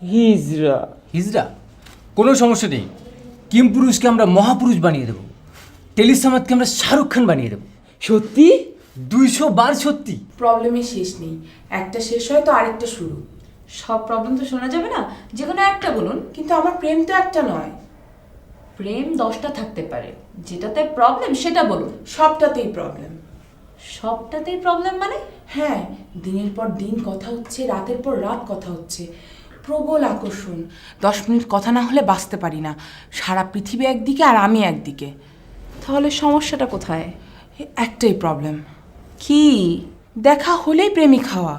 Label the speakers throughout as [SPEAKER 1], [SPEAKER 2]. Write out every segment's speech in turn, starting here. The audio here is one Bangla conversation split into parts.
[SPEAKER 1] হিজড়া।
[SPEAKER 2] হিজড়া? কোনো সমস্যা নেই। কিম পুরুষকে আমরা মহাপুরুষ বানিয়ে দেবো, টেলিসামাদকে আমরা শাহরুখ খান বানিয়ে দেবো।
[SPEAKER 1] সত্যি?
[SPEAKER 2] 200 বার সত্যি।
[SPEAKER 3] প্রবলেমের শেষ নেই, একটা শেষ হয় তো আরেকটা শুরু।
[SPEAKER 4] সব প্রবলেম তো শোনা যাবে না, যে কোনো একটা বলুন।
[SPEAKER 3] কিন্তু আমার প্রেম তো একটা নয়।
[SPEAKER 4] প্রেম 10টা থাকতে পারে, যেটাতে প্রবলেম সেটা বলুন।
[SPEAKER 3] সবটাতেই প্রবলেম।
[SPEAKER 4] সবটাতেই প্রবলেম মানে?
[SPEAKER 3] হ্যাঁ, দিনের পর দিন কথা হচ্ছে, রাতের পর রাত কথা হচ্ছে, প্রবল আকর্ষণ। 10 মিনিট কথা না হলে বাঁচতে পারি না। সারা পৃথিবী একদিকে আর আমি একদিকে।
[SPEAKER 4] তাহলে সমস্যাটা কোথায়?
[SPEAKER 3] একটাই প্রবলেম,
[SPEAKER 4] কি?
[SPEAKER 3] দেখা হলেই প্রেমিক হওয়া।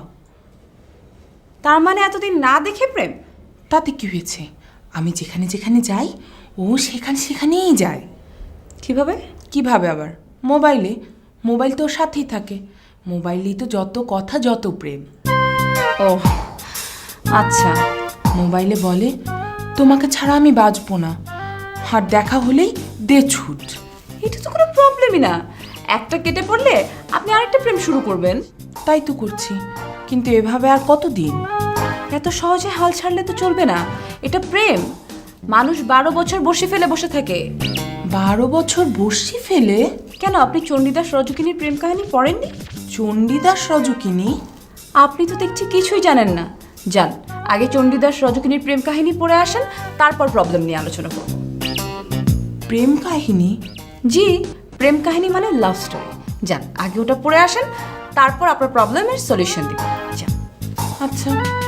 [SPEAKER 4] তার মানে এতদিন না দেখে প্রেম?
[SPEAKER 3] তাতে কি হয়েছে? আমি যেখানে যেখানে যাই ও সেখানেই যায়।
[SPEAKER 4] কিভাবে?
[SPEAKER 3] কিভাবে আবার? মোবাইলে। মোবাইল তো ওর সাথেই থাকে। মোবাইলেই তো যত কথা, যত প্রেম।
[SPEAKER 4] ও আচ্ছা।
[SPEAKER 3] মোবাইলে বলে তোমাকে ছাড়া আমি বাঁচবো না, আর দেখা হলেই দে ছুট।
[SPEAKER 4] এটা তো কোনো প্রবলেমই না। একটা কেটে পড়লে আপনি আরেকটা প্রেম শুরু করবেন।
[SPEAKER 3] তাই তো করছি, কিন্তু এভাবে আর কতদিন?
[SPEAKER 4] এত সহজে হাল ছাড়লে তো চলবে না। এটা প্রেম। মানুষ 12 বছর বসে ফেলে বসে থাকে।
[SPEAKER 3] 12 বছর বসি ফেলে?
[SPEAKER 4] কেন, আপনি চণ্ডীদাস রজকিনীর প্রেম কাহিনী পড়েননি?
[SPEAKER 3] চণ্ডীদাস রজকিনী?
[SPEAKER 4] আপনি তো দেখছি কিছুই জানেন না। যান, আগে চণ্ডীদাস রজকিনীর প্রেম কাহিনী পড়ে আসেন, তারপর প্রবলেম নিয়ে আলোচনা করব।
[SPEAKER 3] প্রেম কাহিনী?
[SPEAKER 4] জি, প্রেম কাহিনী মানে লাভ স্টোরি। যান, আগে ওটা পড়ে আসেন, তারপর আপনার প্রবলেমের সলিউশন দিব। যান।
[SPEAKER 3] আচ্ছা।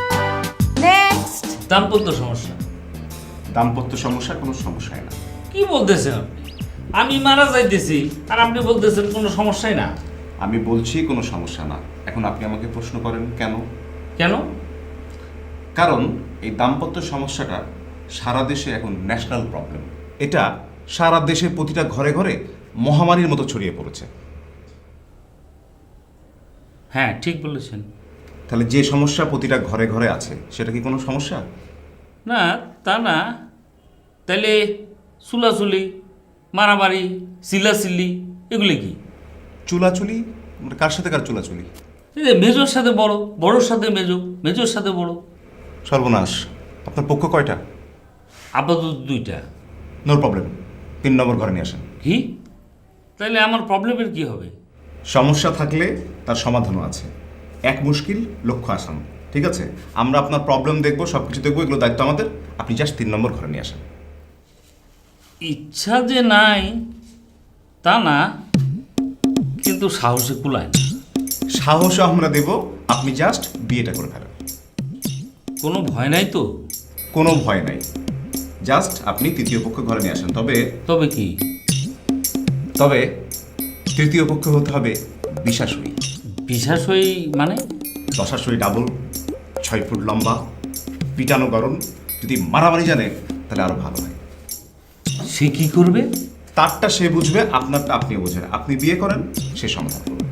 [SPEAKER 4] নেক্সট।
[SPEAKER 5] দাম্পত্য সমস্যা।
[SPEAKER 6] দাম্পত্য সমস্যা কোনো সমস্যাই না।
[SPEAKER 5] কি বলতেছেন আপনি? আমি মারা যাইতেছি আর আপনি বলতেছেন কোনো সমস্যাই না।
[SPEAKER 6] আমি বলছি কোনো সমস্যা না। এখন আপনি আমাকে প্রশ্ন করেন কেন?
[SPEAKER 5] কেন?
[SPEAKER 6] কারণ এই দাম্পত্য সমস্যাটা সারা দেশে এখন ন্যাশনাল প্রবলেম। এটা সারা দেশের প্রতিটা ঘরে ঘরে মহামারীর মতো ছড়িয়ে পড়েছে।
[SPEAKER 5] হ্যাঁ, ঠিক বলেছেন।
[SPEAKER 6] তাহলে যে সমস্যা প্রতিটা ঘরে ঘরে আছে সেটা কি কোনো সমস্যা?
[SPEAKER 5] না, তা না। তাহলে চুলাচুলি, মারামারি, চিল্লাচিল্লি এগুলি কি?
[SPEAKER 6] চুলাচুলি? মানে কার সাথে কার চুলাচুলি?
[SPEAKER 5] এই যে মেজোর সাথে বড়, বড়োর সাথে মেজো, মেজোর সাথে বড়।
[SPEAKER 6] সর্বনাশ। আপনার পক্ষ কয়টা?
[SPEAKER 5] আপাতত 2টা।
[SPEAKER 6] নো প্রবলেম, 3 নম্বর ঘরে নিয়ে আসেন।
[SPEAKER 5] কি? তাহলে আমার প্রবলেমের কি হবে?
[SPEAKER 6] সমস্যা থাকলে তার সমাধানও আছে। এক মুশকিল লক্ষ্য আসান। ঠিক আছে, আমরা আপনার প্রবলেম দেখবো, সব কিছু দেখবো, এগুলো দায়িত্ব আমাদের। আপনি জাস্ট 3 নম্বর ঘরে নিয়ে আসেন।
[SPEAKER 5] ইচ্ছা যে নাই তা না, কিন্তু সাহসে কুলায় না।
[SPEAKER 6] সাহসও আমরা দেব, আপনি জাস্ট বিয়েটা করে ফেলেন।
[SPEAKER 5] কোনো ভয় নাই তো?
[SPEAKER 6] কোনো ভয় নাই, জাস্ট আপনি তৃতীয় পক্ষ ঘরে নিয়ে আসেন।
[SPEAKER 5] তবে কি?
[SPEAKER 6] তবে তৃতীয় পক্ষ হতে হবে বিশ্বাসী।
[SPEAKER 5] বিশ্বাসই মানে?
[SPEAKER 6] দশাশই ডাবল, 6 ফুট লম্বা, পিটানো গরম। যদি মারামারি জানে তাহলে আরো ভালো হয়।
[SPEAKER 5] সে কি করবে?
[SPEAKER 6] তারটা সে বুঝবে, আপনারটা আপনি বুঝবেন। আপনি বিয়ে করেন, সে সমাধান করবে।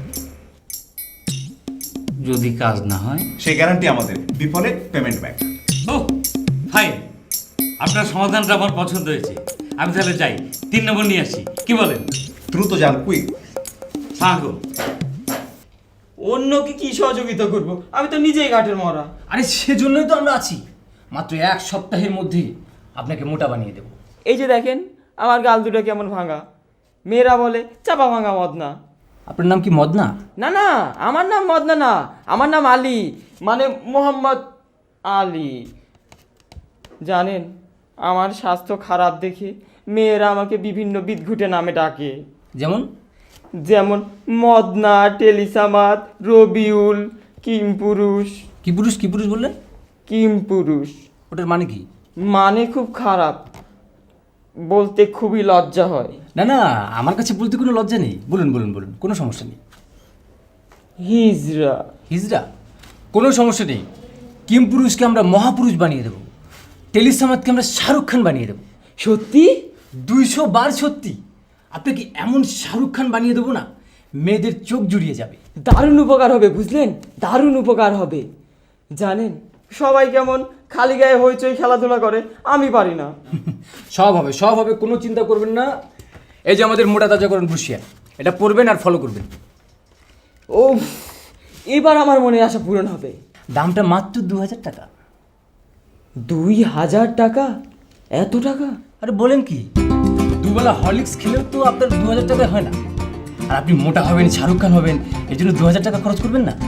[SPEAKER 5] যদি কাজ না হয়?
[SPEAKER 6] সেই গ্যারান্টি আমাদের, বিফলে পেমেন্ট ব্যাক।
[SPEAKER 5] ও ফাইন, আপনার সমাধানটা আমার পছন্দ হয়েছে। আমি তাহলে যাই, 3 নম্বর নিয়ে আসি, কি বলেন?
[SPEAKER 6] দ্রুত যান, কুইক।
[SPEAKER 5] সাগো।
[SPEAKER 1] অন্যকে কি সহযোগিতা করব? আমি তো নিজেই ঘাটের মরা।
[SPEAKER 2] আরে সেজন্যই তো আমরা আছি। মাত্র 1 সপ্তাহের মধ্যেই আপনাকে মোটা বানিয়ে দেবো।
[SPEAKER 1] এই যে দেখেন আমার গাল দুটো কেমন ভাঙা। মেয়েরা বলে চাপা ভাঙা মদনা।
[SPEAKER 2] আপনার নাম কি মদনা?
[SPEAKER 1] না না, আমার নাম মদনা না, আমার নাম আলী, মানে মোহাম্মদ আলী। জানেন, আমার স্বাস্থ্য খারাপ দেখে মেয়েরা আমাকে বিভিন্ন বিদঘুটে নামে ডাকে।
[SPEAKER 2] যেমন?
[SPEAKER 1] যেমন মদনা, টেলিসামাদ, রবিউল, কিমপুরুষ।
[SPEAKER 2] কি পুরুষ? কি পুরুষ বললেন?
[SPEAKER 1] কিমপুরুষ
[SPEAKER 2] ওটার মানে কি?
[SPEAKER 1] মানে খুব খারাপ, বলতে খুবই লজ্জা হয়।
[SPEAKER 2] না না, আমার কাছে বলতে কোনো লজ্জা নেই। বলুন বলুন বলুন, কোনো সমস্যা নেই।
[SPEAKER 1] হিজড়া।
[SPEAKER 2] হিজড়া? কোনো সমস্যা নেই। কিম পুরুষকে আমরা মহাপুরুষ বানিয়ে দেবো, টেলিসামাদকে আমরা শাহরুখ খান বানিয়ে দেবো।
[SPEAKER 1] সত্যি?
[SPEAKER 2] 200 বার সত্যি। আপনাকে এমন শাহরুখ খান বানিয়ে দেবো না, মেয়েদের চোখ জুড়িয়ে যাবে।
[SPEAKER 1] দারুণ উপকার হবে, বুঝলেন? দারুণ উপকার হবে। জানেন, সবাই কেমন খালি গায়ে হইচই খেলাধুলা করে, আমি পারি না।
[SPEAKER 2] সব হবে, সব হবে, কোনো চিন্তা করবেন না। এই যে আমাদের মোটা তাজাকরণ বসিয়া, এটা পড়বেন আর ফলো করবেন।
[SPEAKER 1] ও, এবার আমার মনে আশা পূরণ হবে।
[SPEAKER 2] দামটা মাত্র 2000 টাকা।
[SPEAKER 1] 2,000 টাকা? এত টাকা?
[SPEAKER 2] আরে বলেন কি, দুবেলা হরলিক্স খেলেও তো আপনার 2,000 টাকায় হয় না। আর আপনি মোটা হবেন, শাহরুখ খান হবেন, এর জন্য 2,000 টাকা খরচ করবেন না?